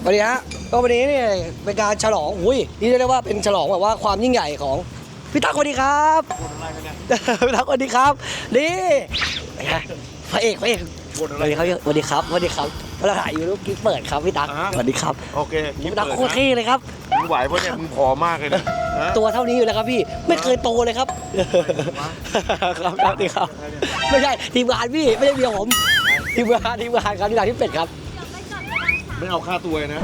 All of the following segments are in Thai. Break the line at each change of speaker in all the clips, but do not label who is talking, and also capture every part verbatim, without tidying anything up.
วัสดีฮะก็วันนี้เนี่ยเป็นการฉลองอุ้ยนี่เรียกว่าเป็นฉลองแบบว่าความยิ่งใหญ่ของพี่ตั๊กสวัสดีครับพี่ตั๊กสวัสดีครับนี่พระเอกพระเอกสวัสดีครับสวัสดีครับสวัสดีครับเราถ่ายอยู่รูปกิ๊กเปิดครับพี่ตั๊กสวัสดีครับ
โอเค
พี่ตั๊กโคตรเท่เลยครับ
มึงไหวเพราะเนี่ยมึงผอมมากเลยนะ
ตัวเท่านี้อยู่แล้วครับพี่ไม่เคยโตเลยครับครับครับดีครับไม่ใช่ทีมงานพี่ไม่ใช่เมียผมทีมงานทีมงานครับที่ร้านพี่เป็ดครับ
ไม่เอาค่าตัวนะ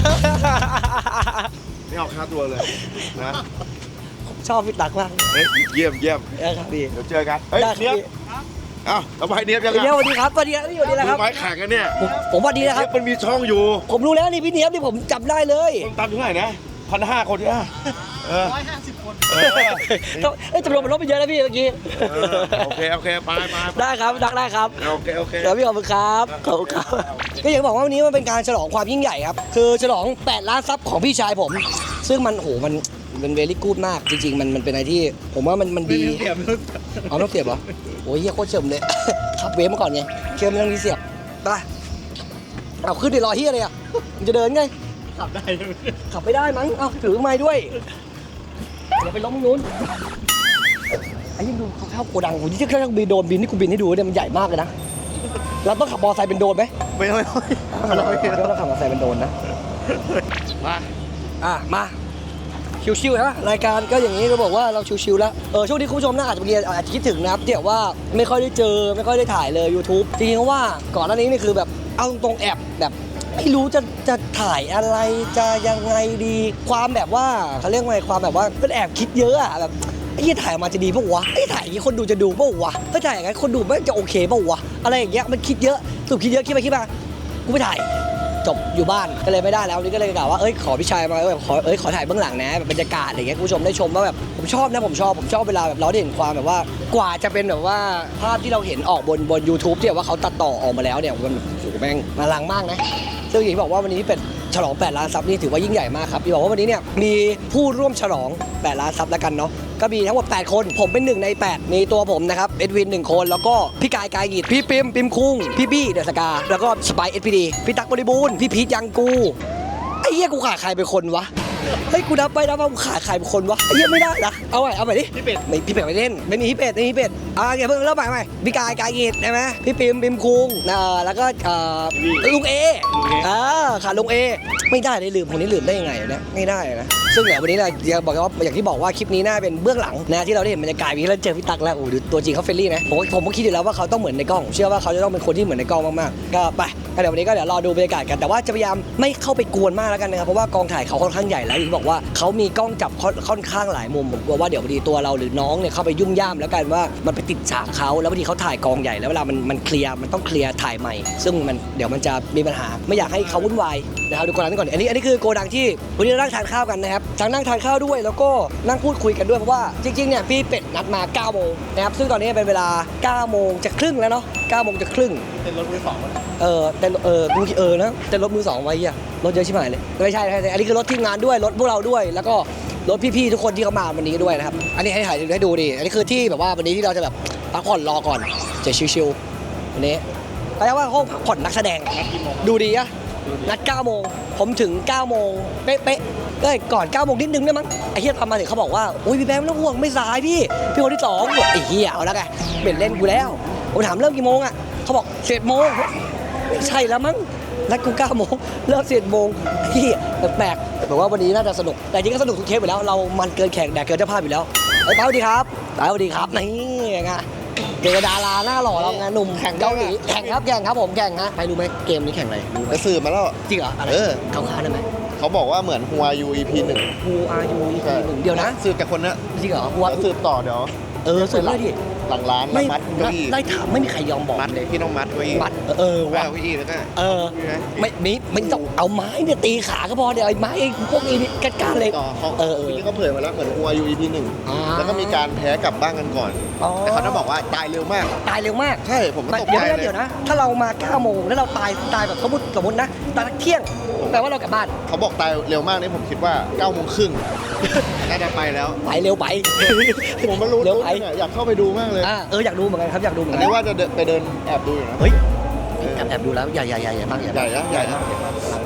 ไม่เอาค่าตัวเลยนะ
ชอบพี่ตั๊กมาก
เยี่ยมเยี่ยม
ครับพี่
เดี๋ยวเจอกันเฮ้ยเนี้ยอ้าวเอาไปเนี้ยยังไง
เนี้ยสวัสดีครับสวัสดีครับพี่สวัสดีครับ
ไม้แข่งกันเนี่ย
ผมสวัสดีนะครับ
มันมีช่องอยู่
ผมรู้แล้วนี่พี่เนี้ยนี่ผมจำได้เลย
คนตามถึงไหนนะพันห้าคนที่ห้า
ร้อยห้าสิบคน
เอ้ยจำนวนมันลดไปเยอะแล้วพี่เมื่อกี้
โอเคโอเคไปไป
ได้ครับดักได้ครับ
โอเคโอเค
เดี๋ยวพี่ขอบคุณครับขอบคุณครับก็อย่างบอกว่าวันนี้มันเป็นการฉลองความยิ่งใหญ่ครับคือฉลองแปดล้านซับของพี่ชายผมซึ่งมันโหมันเป็นเวลี่กู๊ดมากจริงๆมันมันเป็นอะไรที่ผมว่ามันมันดีเอาต้องเสียบเหรอโอ้ยเฮียโคตรเฉิมเลยขับเวฟมาก่อนไงเชื่อมเรื่องนี้เสียบไปเอาขึ้นดิรอเฮียเลยอ่ะมันจะเดินไง
ขับได้
ขับไม่ได้มั้งเอาถือไม้ด้วยเดี๋ยวไปล้มนู้นไอ้ยิ่งดูเขาเข้าโกดังผมที่เครื่องบินโดนบินที่กูบินให้ดูเนี่ยมันใหญ่มากเลยนะเราต้องขับมอเตอร์ไซค์เป็นโดนไหม
ไม่ไม่
ไม่เราต้องขับมอเตอร์ไซค์เป็นโดนนะ
มา
อ่ะมาชิวๆนะรายการก็อย่างนี้ก็บอกว่าเราชิวๆแล้วเออช่วงนี้คุณผู้ชมน่าอาจจะเรียนอาจจะคิดถึงนะครับเดี๋ยวว่าไม่ค่อยได้เจอไม่ค่อยได้ถ่ายเลย YouTube จริงๆเพราะว่าก่อนหน้านี้นี่คือแบบเอาตรงๆแอบแบบไม่รู้จะจะถ่ายอะไรจะยังไงดีความแบบว่าเขาเรียกว่าความแบบว่าเป็นแอบคิดเยอะอะแบบไอ้ที่ถ่ายมาจะดีป่ะวะไอ้ถ่ายอย่างนี้คนดูจะดูป่ะวะไอ้ถ่ายอย่างนี้คนดูไม่จะโอเคป่ะวะอะไรอย่างเงี้ยมันคิดเยอะสุดคิดเยอะคิดไปคิดมากูไม่ถ่ายจบอยู่บ้านก็เลยไม่ได้แล้วนี่ก็เลยกล่าวว่าเอ้ยขอพี่ชายมาแบบขอเอ้ยขอถ่ายเบื้องหลังนะแบบบรรยากาศอะไรเงี้ยคุณผู้ชมได้ชมว่าแบบผมชอบนะผมชอบผมชอบเวลาแบบเราได้เห็นความแบบว่ากว่าจะเป็นแบบว่าภาพที่เราเห็นออกบนบน YouTube ที่แบบว่าเขาตัดต่อออกมาแล้วเนี่ยมันโอ้โหแม่งมาลังมากนะซึ่งอย่างที่บอกว่าวันนี้เป็นฉลองแปดล้านซับนี่ถือว่ายิ่งใหญ่มากครับที่บอกว่าวันนี้เนี่ยมีผู้ร่วมฉลองแปดล้านซับแล้วกันเนาะก็มีทั้งหมดแปดคนผมเป็นหนึ่งในแปดมีตัวผมนะครับเอ็ดวินหนึ่งคนแล้วก็พี่กายกายกีดพี่ปิมปิมคุงพี่บี้เดอะสกาแล้วก็สไปเอสพีดีพี่ตั๊กบริบูรณ์พี่พีทยังกูไอ้เหี้ยกูขาดใครเป็นคนวะเฮ้ยกูนับไปนับมากูขาดใครเป็นคนวะไอ้เหี้ยไม่ได้นะเอาใหม่เอาใหม่ดิ
พี่เป็ด
ไม่พี่เป็ดไม่เล่นไม่มีพี่เป็ดไม่มีพี่เป็ดอ่าอย่าเพิ่งเริ่มใหม่ใหม่พี่กายกายกีดได้ไหมพี่ปิมปิมคุงเอ่อแล้วก็เอ่อลุงเออ่าขาดลุงเอไม่ได้เลยลืมคนนี้ลืมได้ยังไงเนี่ยไม่ได้นะซึ่งเดี๋ยววันนี้นะอยากบอกว่าอย่างที่บอกว่าคลิปนี้น่าเป็นเบื้องหลังนะที่เราได้เห็นบรรยากาศนี้แล้วเจอพี่ตั๊กแล้วโอ้โหตัวจริงเขาเฟรนลี่นะผมผมก็คิดอยู่แล้วว่าเขาต้องเหมือนในกล้องเชื่อว่าเขาจะต้องเป็นคนที่เหมือนในกล้องมากๆก็ไปเดี๋ยววันนี้ก็เดี๋ยวรอดูบรรยากาศกันแต่ว่าจะพยายามไม่เข้าไปกวนมากแล้วกันนะครับเพราะว่ากองถ่ายเขาค่อนข้างใหญ่แล้วที่บอกว่าเขามีกล้องจับค่อนข้างหลายมุมผมกลัวว่าเดี๋ยวพอดีตัวเราหรือน้องเนี่ยเข้าไปยุ่งย่ามแล้วกันว่ามันไปติดฉากเขาแล้วพอดีเขาถ่ายกองใหญ่แล้วเวลามันมันเคลียร์มันต้องเคลียร์ถ่ายใหม่ซึ่งมันเดี๋ยวมันจะมีปัญหาไม่อยากให้เขาวุ่นวายนะครับดูโกดังก่อนอันนี้อันนี้คือโกดังที่วันนี้เรานั่งทานข้าวกันนะครับทั้งนั่งทานข้าวด้วยแล้วก็นั่งพูดคุยกันด้วยเพราะว่าจริงๆเนี่ยพี่เป็ดนัดมาเก้าโมงนะครับซึ่งตอนนี้เป็นเวลาเก้าโมงจะครึ่งแล้วเนาะเก้าโมงจะครึ่ง
เป็นรถมือสอง
เออแต่เออมึงเออนะแต่รถมือสองไว้อ่ะรถเยอะชิบหายเลยไม่ใช่อันนี้คือรถทีมงานด้วยรถพวกเราด้วยแล้วก็รถพี่ๆทุกคนที่เขามาวันนี้ด้วยนะครับอันนี้ให้ถ่ายให้ดูดิอันนี้คือที่แบบว่าวันนี้ที่เราจะแบบพักผ่อนรอก่อนจะชิวๆวันนี้แปลว่าห้องพักผ่อนนักแสดงดูดีอะนัดเก้าโมงผมถึงเก้าโมงเป๊ะๆก็ก่อนเก้าโมงนิดนึงได้มั้งไอ้เฮียทำมาถึงเขาบอกว่าอุ้ยพี่แบงค์ไม่ต้องห่วงไม่สายพี่พี่คนที่สองไอ้เฮียเอาแล้วไงเป็นเล่นกูแล้วผมถามเริ่มกี่โมงอะเขาบอกสิบเอ็ดโมงไม่ใช่แล้วมั้งนัดกูเก้าโมงเลิกสิบเอ็ดโมงพี่แปลกๆบอกว่าวันนี้น่าจะสนุกแต่จริงก็สนุกทุกเทปอยู่แล้วเรามันเกินแข่งแดกเกินเจ้าภาพอยู่แล้วไอ้ป้าสวัสดีครับป้าสวัสดีครับนี่ไงเจอดาราหน้าหล่อเราไงหนุ่มแข่งเกาหลีแข่งครับแข่งครับผมแข่งฮะใครรู้ไหมเกมนี้แข่งอะไร
ไปสืบมาแล้ว
จริงเหรออะไรเขาค้าได้ไหม
เขาบอกว่าเหมือน Who Are You อี พี หนึ่ง
Who Are You อี พี หนึ่งเดี๋ยวนะ
สืบจากคนนี้
จริงเหรอ
สืบต่อเดี๋ยว
เออสืบเลยดิ
หลังร้านแล้วมัดเก้าอี้
ได้ถามไม่มีใครยอมบอก
เลยพี่ต้องมัดเก้าอี้
มัดเออ
ว่าเก้าอี้แล้วก็
เออไม่ไม่ไม่ต้องเอาไม้เนี่ยตีขาก็พอเดี๋ยวไอ้ไม้พวกนี้กัดการเลย
ต่อเขาเออพี่เขาเผยมาแล้วเหมือน Who Are You อี พี หนึ่งแล้วก็มีการแพ้กลับบ้านกันก่อนแต่เขาต้องบอกว่าตายเร็วมาก
ตายเร็วมาก
ใช่ผมก็ตกใจเลย
เดี๋ยวนะถ้าเรามาเก้าโมงแล้วเราตายตายแบบสมมติสมมตินะตายเที่ยงแปลว่าเรากลับบ้าน
เขาบอกตายเร็วมากนี่ผมคิดว่าเก้าโมงครึ่งน่าจะไปแล้ว
ไปเร็วไป
ผมไม่รู้เร็วไปอยากเข้าไปดูมากเลย
เอออยากดูเหมือนกันครับอยากดูเหมือนกัน
อันนี้ว่าจะไปเดินแอบดูอยู่นะ
เฮ้ยแอบแอบดูแล้วใหญ่ใหญ่ใหญ่มากใหญ่
ใหญ่นะใหญ่นะ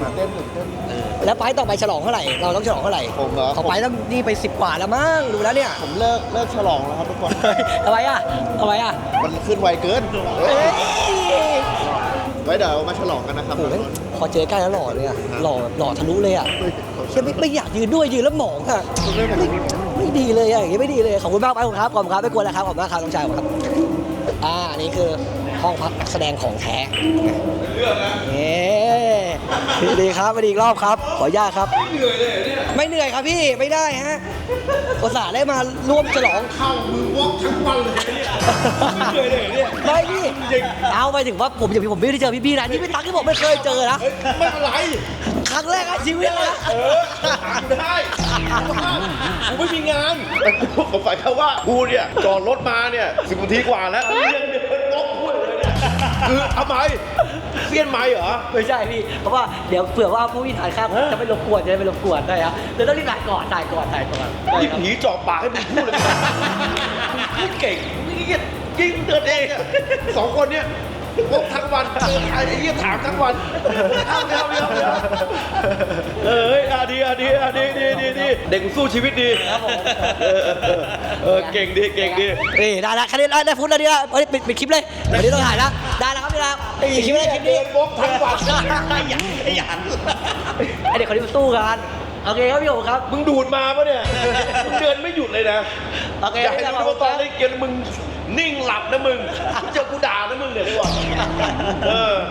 เต้นตื่นเต้น
แล้วไปต่อไปฉลองเท่าไหร่เราต้องฉลองเท่าไหร่
ผมเหรอ
เขาไปแล้วนี่ไปสิบกว่าแล้วมั้งดูแล้วเนี่ย
ผมเลิกเลิกฉลองแล้วครับทุกคน
ทำไมอ่ะทำไมอ่ะ
มันขึ้นไวเกิน
เอ้ย
ไว้เดี๋ยวมาฉลองกันนะครับ
โอ้โหพอเจอใกล้แล้วหล่อเลยอ่ะหล่อหล่อทะลุเลยอ่ะแค่ไม่ไม่อยากยืนด้วยยืนแล้วหมองอ่ะไม่ไม่ดีเลยอ่ะอย่างงี้ไม่ดีเลยขอบคุณมากไปผมครับขอบคุณครับไม่กลัวแล้วครับขอบคุณมากครับน้องชายผมครับอ่าอันนี้คือห้องพักนักแสดงของแท้เอ๊ดีครับมาดีอีกรอบครับขออนุญาตครับไม่เหนื่อยเลยไม่เหนื่อยครับพี่ไม่ได้ฮะอุตส่าห์ได้มาร่วมฉลอง
เข้ามือวอกทั้งวันเลยเนี่ยไม่เหนื่อยเลยเนี่ย
ไม่พี่เอาไปถึงว่าผมอย่างผมไม่ได้เจอพี่ๆนะนี่เป็นครั้งที่ผมไม่เคยเจอนะ
ไม่เป็นไร
ครั้งแรกในชีวิตนะ
เออได้กูไม่มีงานแต่กูผมฝ่ายเขาว่ากูเนี่ยจอดรถมาเนี่ยสิบนาทีกว่าแล้วยังเดินงกพูดเลยเนี่ยคือทำไมเสี้ยนไม้เหรอ
ไม่ใช่พี่เพราะว่าเดี๋ยวเผื่อว่าผู้วิถ่ายข้ามจะไม่รบกวนจะไม่รบกวนได้ครับเดี๋ยวต้องรีบถ่ายก่อนถ่ายก่อนถ่ายก่อน
นี่ผีเจาะปากให้มึงพูดเลยพูดเก่งนี่ยิ่งเดินเองอะสองคนเนี่ยพวกทั้งวันเจอใครไอ้เหี้ยถามทั้งวันเอาเดี๋ยวเดี๋ยวเดี๋ยวเออเฮ้ยอ่ะดีอ่ะดีอ่ะดีดีดีดีเด็กสู้ชีวิตดี
ครับผม
เออเออเออเก่งดีเก่งดี
นี่ได้แล้วแค่นี้ได้ได้ฟุตแล้วดีแล้วปิดปิดคลิปเลยเดี๋ยวนี้ต้องถ่ายแล้วได้แล้วครับพี่แล้วปิดคลิปเลยคลิปนี้
เดินวกทั้งวัน
ขยันขยันไอเด็กคนนี้มันสู้กันโอเคครับพี่โอ๋ครับ
มึงดูดมาปะเนี่ยมึงเดินไม่หยุดเลยนะ
โอเค
อยากให้รู้ว่าตอนเล่นเกมมึงนิ่งหลับนะมึงเจอกูด่านะมึงเนี่ยดีกว่าเออ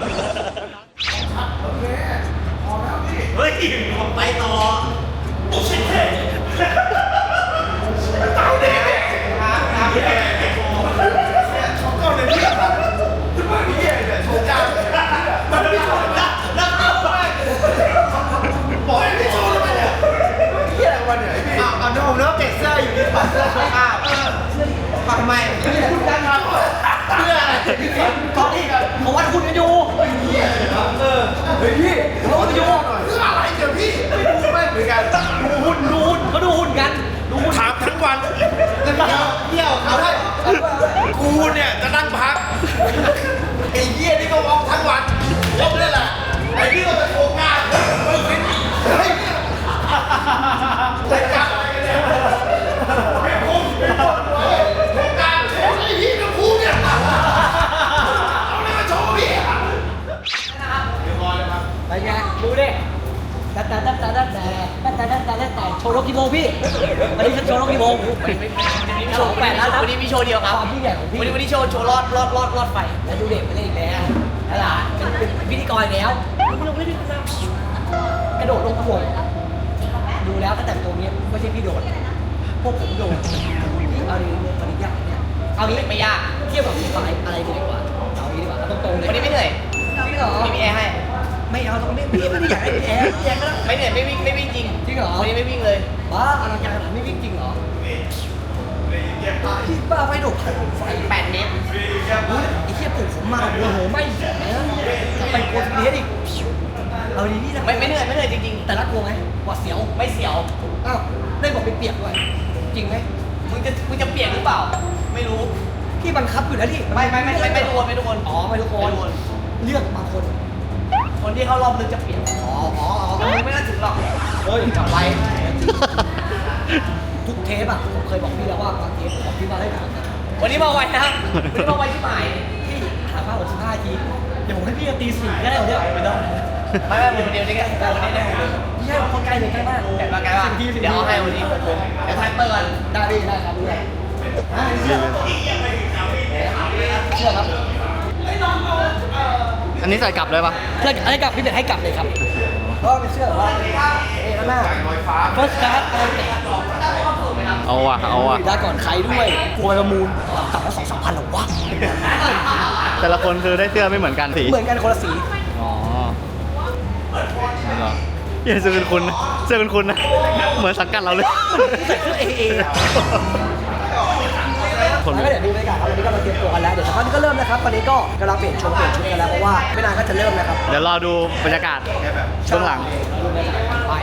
เฮ้ยผมไปต่อ เอาเดี๋ยวผมเลิกเปลี่ยนเสื้ออยู่ดีถอดเสื้อข้างทำไมเพื่ออะไรตอนนี้เขาวัดคุณกันอยู่เออเฮ้ยพี่เขาวัดอยู่เพื่ออะไรเดี๋ยวพี่ไม่ดูไม่เหมือนกันดูหุ่นดูหุ่นเขาดูหุ่นกันดูหุ่น
ถามทั้งวัน
เที่ยวเขาได้
กูเนี่ยจะนั่งพัก
ไอ้เหี้ยนี่ก็วอกทั้งวันวอกเลยแหละไอ้นี่ก็จะโกงงานเฮ้ยเฮ้ยแต่กันอะไรกันเนี่ยไม่คุ้มไม่คุ้มโกงงานไอ้พี่กับกูเนี่ยเอาอะไรมาโชว์พี่
ไปไงดูดิแต่แต่แต่แต่แต่แต่แต่แต่แต่แต่แต่โชว์รถกี่โมงพี่วันนี้ฉันโชว์รถกี่โมงฉลองแปดแล้วนะ
วันนี้มีโชว์เดียวครับ
ความยิ่งใหญ่ของพี่
วันนี้วันนี้โชว์โชว์รอดรอดรอดรอดไฟ
แล้วดูเด็กไปเล่นอีกแล้วตลาดเป็นเป็นพิธีกรอีกแล้วกระโดดลงขบวนดูแล้วตั้งแต่ตัวนี้ไม่ใช่พี่โดดพวกผมโดดเอาดีเรื่องปริญญาเนี่ยเอางี้ไม่ยากเทียบกับพี่ฝ่ายอะไรดีกว่าเอางี้ดีกว่าเอาตรงๆเลย
วันนี้ไม่เหนื่อย
จริงเหรอ
มีแอร์ให้
ไม่เอาตรงนี้พี่ไม่ได้อยากให้แอร์แอร์ก็ได้
ไม่เหนื่อยไม่วิ่งไม่วิ่งจริง
จริงเหรอ
วันนี้ไม่วิ่งเลย
บ้าอลังการขนาดไม่วิ่งจริงเหรอพี่บ้าไฟโดดไฟ
แปดเมตร
ไอ้เหี้ยปลุกผมมาโอ้โหไม่ไปกดเลียอีกเอาดีนี่นะ
ไม่ไม่เหนื่อยไม่เหนื่อยจริง
แต่รักกลัวไหมหวาดเสียว
ๆ ไม่เสียว
อ้าวได้บอกไปเปียกด้วยจริงไหม
มึงจะมึงจะเปลี่ยนหรือเปล่า ไม่รู้
พี่บังคับอยู่แล้วที่
ไม่ไม่ไม่ไม่ไม่ทุกคนไม่ทุกคน
อ๋อไม่ทุกคน
ไม่ทุกคน
เลือกบางคน
คนที่เข้ารอบลึกจะเปลี่ยน
อ๋ออ๋ออ๋อ
มึงไม่น่าถึงหรอก
เฮ้ยจับไปทุกเทปอ่ะผมเคยบอกพี่แล้วว่าบางเทปผมบอกพี่มาได้หนังนะ
วันนี้มาไวนะครับวันนี้มาไวที่หมาย
พี่หาผ้าหกสิบห้าทีเดี๋ยวผมให้พี่ตีสี่ก็ได้เดี๋ยวไม่ต้อง
ไม่ไม่ผมคนเดียวนี่แค่วันนี้ได้หมดเลย
ไม่ใช่คนใกล้เลยใกล้มาก
แต่มาไกลว่า
สิบทีสิบที
เดี๋ยวเอาให้วันนี้เดี๋ยวไทเปอร์กัน
ได้ดีได้ครับได้อ่าเชื่อเชื่อครับ
อันนี้ใส่กลับเลยปะ
เชื่อให้กลับพี่เด็ดให้กลับเลยครับก็เป็นเชื่อว่าเอ๊ะแล้วหน้า first class
เอาว่ะเอาว่ะ
ได้ก่อนใครด้วยโวยประมูลกลับมาสองสามพันหรอวะ
แต่ละคนคือได้เสื้อไม่เหมือนกันสี
เหมือนกันคนละสี
อ๋อนี่เหรอเหี้ยเสื้อคุณคุณเสื้อคุณคุณนะเหมือนสังกัดเราเลย
ใส่เสื้อเอเอ
คน
แล้วก็เดี๋ยวดูบรรยากาศครับวันนี้ก็มาเตรียมตัวกันแล้วเดี๋ยวสักพักนี้ก็เริ่มนะครับตอนนี้ก็กำลังเปลี่ยนชงเปลี่ยนชุดกันแล้วเพราะว่าไม่นานก็จะเริ่มแล้วครับ
เดี๋ยวรอดูบรรยากาศช่วงหลัง
ดูบรรยากาศไป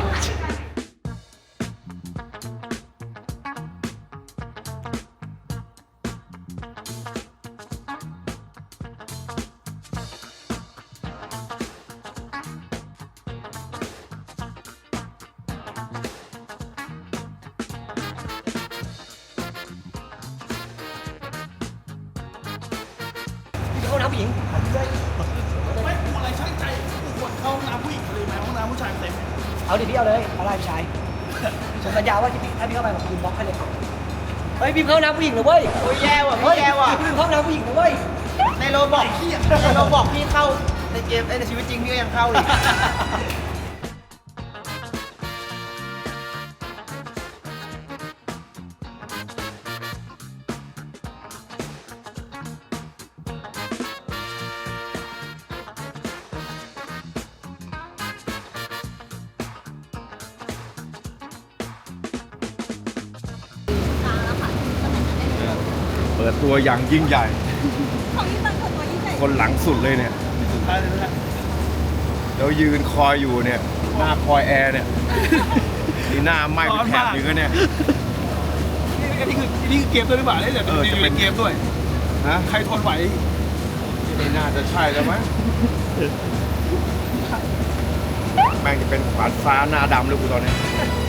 ผู้หญิงหาที่ได้
ไม่กูอะไรช่างใจกูควรเข้าห้องน้ำผู้หญิงเลยไหมห้องน้ำผู้ชายเต็ม
เอาดิพี่เอาเลยอะไรพี่ชายผมสัญญาว่าที่พี่ถ้าพี่เข้าไปผมคืนบล็อกให้เลยเฮ้ยพี่เข้าน้ำผู้หญิงเลยเว้ย
โอ้ยแย่ว่ะ
เฮ้ย
พี่แย่ว่ะ
พี่เข้าน้ำผู้หญิงเลยเว้ย
ในโรบอกพี่ในโรบอกพี่เข้าในเกมในชีวิตจริงพี่ก็ยังเข้าอีก
เปิดตัวอย่างยิ่งใหญ่
ของที่ตั้งตัวยิ่งใหญ่
คนหลังสุดเลยเนี่ยแล้วยืนคอยอยู่เนี่ยหน้าคอยแอร์เนี่ยนี่หน้าไหม้เป็นแถบอยู่ก็เนี่ย
นี่นี่คือนี่คือเกมด้วยหรือเปล่าเนี่ย
เออจะเป็น
เกมด้วย
นะ
ใครทนไหว
ไม่น่าจะใช่แล้วมั้งแม่งจะเป็นขวานฟ้าหน้าดำเลยกูตอนนี้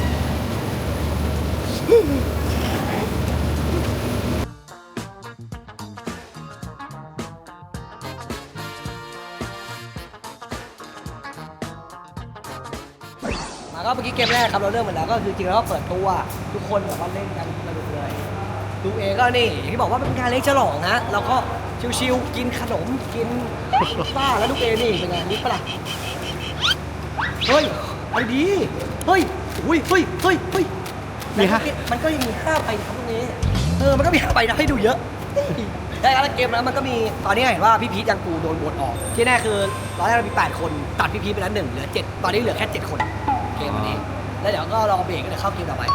มาก็เมื่อกี้เกมแรกครับเราเริ่มมาแล้วก็คือจริงๆแล้วก็เปิดตัวทุกคนแบบว่าเล่นกันสนุกเลยดูเอก็นี่อย่างที่บอกว่าเป็นงานเลี้ยงฉลองนะเราก็ชิวๆกินขนมกินป้าแล้วลูกเอนี่เป็นไงนี่ปะล่ะเฮ้ยไอ้ดีเฮ้ยอุ้ยเฮ้ยเฮ้ยเฮ้ยมีฮะมันก็ยังมีห้าไปนะครับตรงนี้เออมันก็มีห้าไปนะให้ดูเยอะได้แล้วเกมแล้วมันก็มีตอนนี้เห็นว่าพี่พีทยังกูโดนบทออกที่แน่คือตอนแรกเรามีแปดคนตัดพี่พีทไปแล้วหนึ่งเหลือเจ็ดตอนนี้เหลือแค่เจ็ดคนเกมวันนี้แล้วเดี๋ยวก็รอเบรกก็เดี๋ยวเข้าเกมต่อไป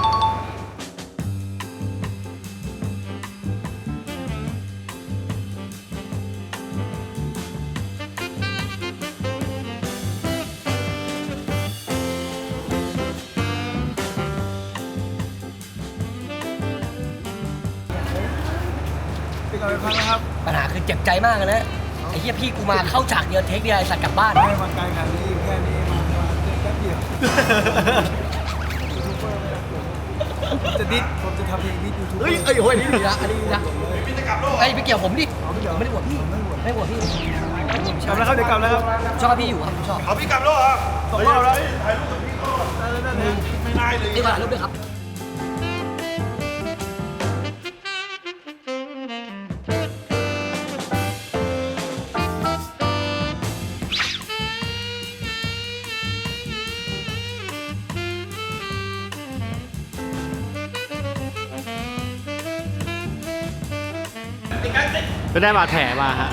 เป็นการพักนะครับ
ปัญหาคือเจ็บใจมากเลยนะไอ้เหี้ยพี่กูมาเข้าฉากเดียวเทคเดียวไอ้สัตว์กลับบ้าน
ไม่มาไกลขนาดนี้แค่นี้มามาแป๊บเดียวจะดิดผมจะทำเพลงดิดยูทูบ
เฮ้ยเอ้ยโอ้ยนี่ดีนะอันนี้ดีนะไอ้ยไปเกี่ยวผมดิผมไม่ได้บวชพี่ไม่ได้บวชพี่
กลับแล้วครับเดี๋ยวกลับแล้วครับ
ชอบพี่อยู่ครับผมชอบ
เอาพี่กลับแล้วเหรอ
สองรอบแล้ว
ไม่ได้เลย
นี่มาถ่ายรูปด้วยครับ
ก็ได้บาดแผลมาฮะ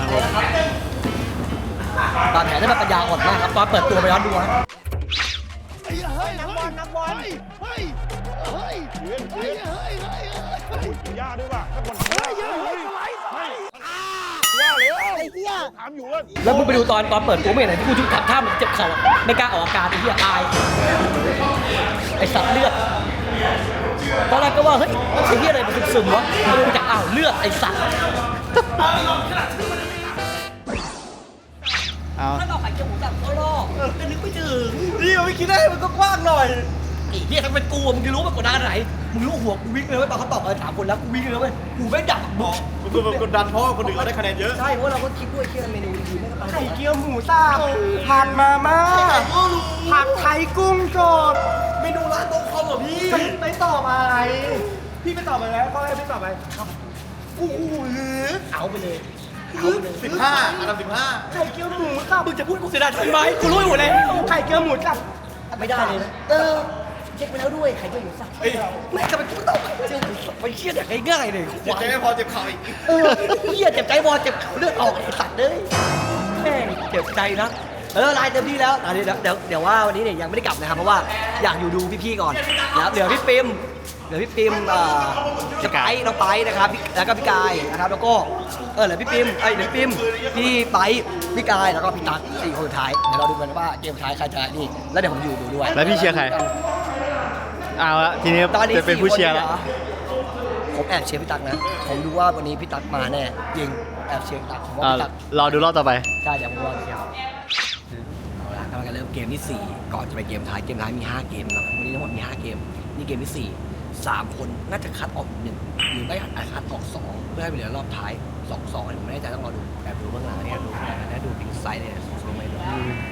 ตอนแผลได้แบบปัญญาอ่อนมากครับตอนเปิดตัวไปย้อนดูครับ
นักบอลนักบอลเฮ้ยเฮ้ยเฮ้ยเฮ้ยเฮ้ยเฮ้ยย่าด้วยว่ะนักบอลเฮ้ยเฮ้ยเฮ้ยเฮ้ยย่าเลยไอ้เหี้ยถามอยู่ว่า
แล้วมึงไปดูตอนตอนเปิดตัวไม่เห็นไหนที่กูชุดทำท่าเหมือนเจ็บเข่าอะไม่กล้าออกอาการไอ้เหี้ยอายไอ้สัตว์เลือดตอนแรกก็ว่าเฮ้ยไอ้เหี้ยอะไรมันซึมๆวะมาดูจากอ้าวเลือดไอ้สัตว์
เอา
ถ้าเราขายเกี๊ยวหมูสับเขาลอกก็นึกไม่ถึงนี่ไม่คิดได้มันก็กว้างหน่อยไอ้เหี้ยถ้าเป็นกูมึงจะรู้มันกดดันขนาดไหนมึงรู้หัวกูวิ่งเลยเว้ยตอนเขาตอบเออถามคนแล้วกูวิ่งเลยเว้ยกูไม่ดักบอก
คือแบบกดดันเพราะคนอื่นเขาได้คะแนนเยอะ
ใช่เพราะเราก็คิดด้วยเคี่ยวเมนูดีๆไม่ก็ไป
ไข่เกี๊ยวหมูสับผัดมาม่าผัดไทยกุ้งสด
เมนูร้านโต๊ะคอมเหรอพี่
ไม่ไม่ตอบอะไร พี่ไม่ตอบอะไรแล้วก็ให้พี่ตอบไปกูหรือ
เอาไปเลยเอาไปเลย
สิบห้าอันดับสิบห้าไข่เกี๊ยวหมูสับ
มึงจะพูดกูเสียดายทำไมกูรู้อยู่แล้ว
ไข่เกี๊ยวหมูสับ
ไม่ได้เลยนะเออเช็คไปแล้วด้วยใครก็อยู่สักไม่ทำไมกูตอบเจ้าไปเครียดอย่างง่ายๆเลย
เจ็บใจไม่พอเจ็บเข่าอีก
เออเฮียเจ็บใจบอลเจ็บเข่าเลือดออกไอ้สัตว์เลยแม่งเจ็บใจนะเออลายเต็มที่แล้วอ่ะเดี๋ยวเดี๋ยวเดี๋ยวว่าวันนี้เนี่ยยังไม่ได้กลับนะครับเพราะว่าอยากอยู่ดูพี่ๆก่อนนะครับเดี๋ยวพี่ปิมเดี๋ยวพี่ปิมเอ่อจะไปน้องไปนะครับพี่แล้วก็พี่กายนะครับแล้วก็เออเหลือพี่ปิมไอ้ยเดี๋ยวพี่ปิมพี่ไปพี่กายแล้วก็พี่ตั๊กสี่คนสุดท้ายเดี๋ยวเราดูกันว่าเกมสุดท้ายใครจะนี่แล้วเดี๋ยวผมอยู่ดูด้วย
แล้วพี่เชียร์ใคร เอาละทีนี้
ตอนนี้
จะเป็นผู้เชียร์แล้ว
สี่คนนี่หรอผมแอบเชียร์พี่ตั๊กนะผมดูว่าวันนี้พี่ตั๊กมาแน่ยิงแอบเชียร์พี่ตั๊กผมว่า
อ่า
พี่ตั๊ก
รอดูรอบต่อไป
ใช่เดี๋ยวผมรอเชียร์เอาละกำลังจะเริ่มเกมที่สี่ก่อนจะไปเกมท้ายเกมท้ายมีห้าเกมนะครับวันนี้ทั้งหมดมีห้าเกมนี่เกมที่สี่สามคนน่าจะคัดออกหนึ่งหรือไม่อาจคัดออกสองเพื่อให้ไปเหลือรอบท้ายสองสองผมไม่แน่ใจต้องรอดูแบบดูเบื้องหลังเนี่ยดูแล้วดูอินไซด์เนี่ยลงไปดู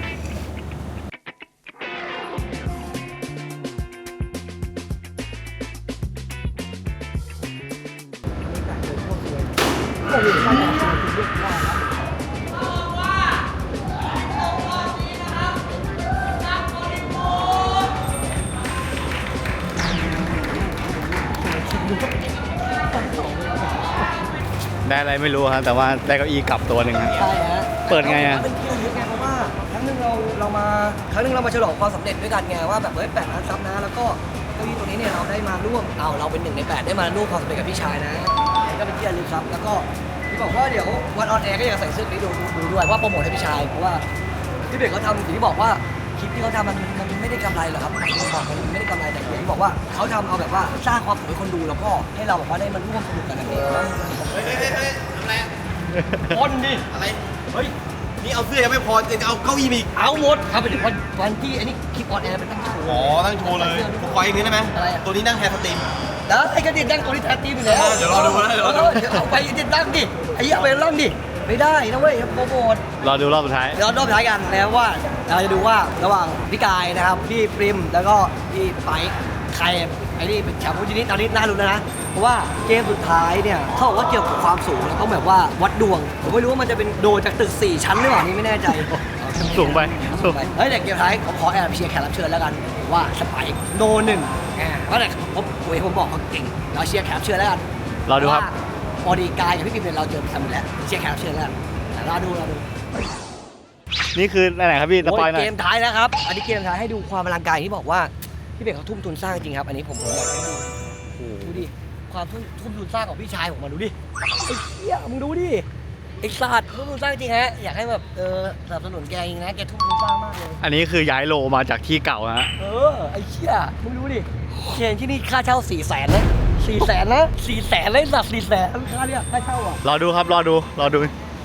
ได้อะไรไม่รู้ครับแต่ว่าได้เก้าอี้กลับตัวหนึ่งครับ
ใช่ฮะ
เปิดไงอะ
เป็นที่ระลึกไงเพราะว่าครั้งหนึงเราเรามาครั้งหนึงเรามาฉลองความสำเร็จด้วยกันไงว่าแบบเฮ้ยแปดล้านซับนะแล้วก็เก้าอี้ตัวนี้เนี่ยเราได้มาร่วมเอาเราเป็นหนึ่งในแปดได้มาร่วมความสำเร็จกับพี่ชายนะก็เป็นที่ระลึกครับแล้วก็ที่บอกว่าเดี๋ยววันออนแอร์ก็อยากใส่เสื้อนี้ดูดูด้วยว่าโปรโมทให้พี่ชายเพราะว่าพี่เบกเขาทำอย่างที่บอกว่าคลิปที่เขาทำมันมันไม่ได้กำไรหรอกครับผมบอกมันไม่ได้กำไรแต่อย่างที่บอกว่าเขาทำเอาแบบว่าสร้างความสุขให้คนดูแล้วก็ให้เราแบบว่าได้มาร่วมสนุกกันแบบนี้
เฮ้ยเฮ้ยเฮ้ยเฮ้ยทำอะไรอะ
ป้นดิ
อะไร เฮ้ย นี่เอาเสื้อยังไม่พอจะเอาเก้าอี้มาอีก
เอาหมดครับไปถึงวันวันที่อันนี้คลิปออนแอร์เป็นตั้งโชว์
อ๋อ ตั้งโชว์เลยผมขออีกนิดได้ไหม
อะไรอะ
ตัวนี้นั่งแทนสตรีม
แล้วไอ้กระดิ่งดังตัวนี้แทนทีมอยู่แล้ว
เดี๋ยวรอดูนะเดี๋ยวรอดู
เดี๋ยวเอาไปติดตั้งดิไอ้เหี้ยเอาไปล่องดิไม่ได้นะเว้ยโปรโมท
รอดูรอบสุดท้าย
เดี๋ยวรอบท้ายกันแล้วว่าเราจะดูว่าระหว่างพี่กายนะครับพี่ปริมแล้วก็พี่ไปใครไอ้นี่เป็นแชมป์ทีนี้ตอนนี้น่าลุ้นแล้วนะเพราะว่าเกมสุดท้ายเนี่ยเขาบอกว่าเกี่ยวกับความสูงแล้วต้องแบบว่าวัดดวงผมไม่รู้ว่ามันจะเป็นโดดจากตึกสี่ชั้นหรือเปล่านี่ไม่แน่ใจ
สูงไปสูง
เฮ้ยแต่เกมท้ายผมขอแอบเชียร์แขกรับเชิญแล้วกันว่าสไปค์โนหนึ่งอ่าเพราะแต่ผมผมผมบอกเขาเก่งเราเชียร์แขกรับเชิญแล้วกัน
รอดูครับ
พอดีกายกับพี่ปิ่มเนี่ยเราเจอกันหมดแล้วเชียร์แขกรับเชิญแล้วกันแต่รอดูรอดู
นี่คืออะไรครับพี่สปอยหน่อ
เก
ย
มท้ายแล้วครับอันนี้เกมท้ายให้ดูความอลังการที่บอกว่าพี่เบกเขาทุ่มทุนสร้างจริงครับอันนี้ผมผมอยากให้ดูดูดิความทุ่มทุ่มทุนสร้างของพี่ชายผมมาดูดิไอ้เหี้ยมึงดูดิไอ้สัตว์ทุ่มทุนสร้างจริงฮะอยากให้แบบเออสนับสนุนแกจริงนะแกทุ่มทุนสร้างมากเลย
อันนี้คือย้ายโลมาจากที่เก่านะฮะ
เออ ไอ้เชี่ยมึงดูดิเชียนที่นี่ค่าเช่าสี่แสนนะสี่แสนนะสี่แสนเลยสัตว์สี่แสนค่าเนี่ยค่าเช่าอ่ะ
รอดูครับรอดูรอดู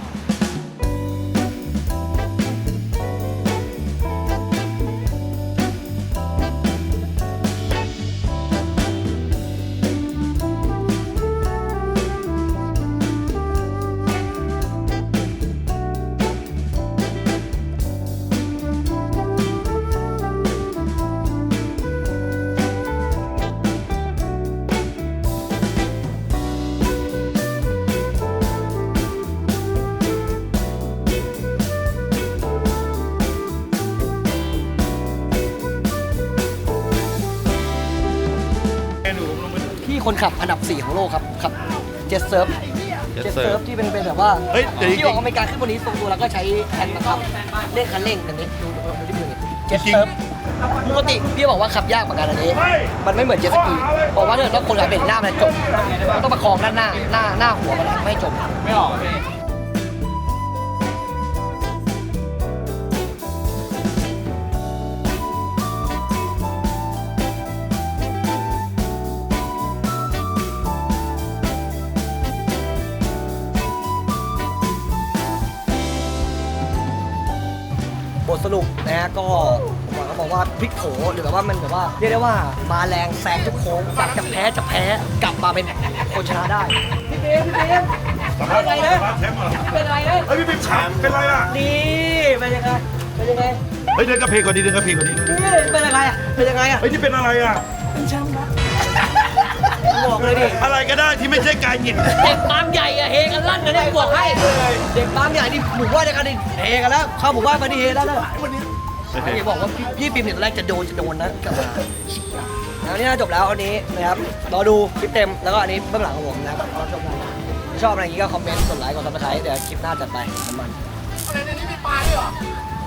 พี่คนขับอันดับสี่ของโลกครับขับเจ็ตเซิร์ฟ
Jet
เจ็ต
Surf
เซิร์ฟที่เป็นเป็นแบบว่า
เฮ้ยเดี๋ยวจริงๆ
ที่ออกอเมริกาขึ้นบนนี้ตรงตัวแล้วก็ใช้แฮนด์บังคับเล่นคันเร่งอันนี้ดูดูดูที่มือเจ็ตเซิร์ฟปกติพี่บอกว่าขับยากเหมือนกันอันนี้ มันไม่เหมือนเจ็ตสกีบอกว่าถ้าเกิดว่าคนขับเบรกหน้ามันจมมันต้องประคองด้านหน้าหน้าหน้าหัวมันไม่จมไม่ออกพี่ บทสรุปนะฮะก็หมอเขาบอกว่าพลิกโผหรือแบบว่ามันแบบว่าเรียกได้ว่ามาแรงแซงทุกโค้งจากจะแพ้จะแพ้กลับมาเป็นคนชนะได้พี่เบมพี่เบมเป็นไรนะเป็นไรนะ
เฮ้ยพี่ปิ๊บแชมป์เป็นไรอ่ะ
นี่เป็นยังไงเป็นยังไง
เฮ้ยเดินกระเพกก่อนดีเดินกระเพกก่อนดี
นี่เป็นยังไงอ่ะเป็นยังไงอ่ะ
เฮ้ยที่เป็นอะไรอ่ะ
เป็นแชมป์นะบอกเลยดิ
อะไรก็ได้ที่ไม่ใช่กายหยิบ
เด็กบางใหญ่อะเฮกันลั่นนะเนี่ยบอกให้เด็กบางใหญ่นี่หมู่บ้านเดียวกันนี่เฮกันแล้วเข้าหมู่บ้านมานี่เฮแล้วนะวันนี้อย่าบอกว่าพี่พี่ปิมเนี่ยตอนแรกจะโดนจะโดนนะกลับมาแล้วนี่น่าจบแล้วอันนี้นะครับรอดูคลิปเต็มแล้วก็อันนี้เบื้องหลังของผมนะครับรอชมกันชอบอะไรอย่างนี้ก็คอมเมนต์กดไลค์กดซับสไครต์เดี๋ยวคลิปหน้าจัดไปน้ำมันอะไรในนี้มีปลาด้วยเหรอ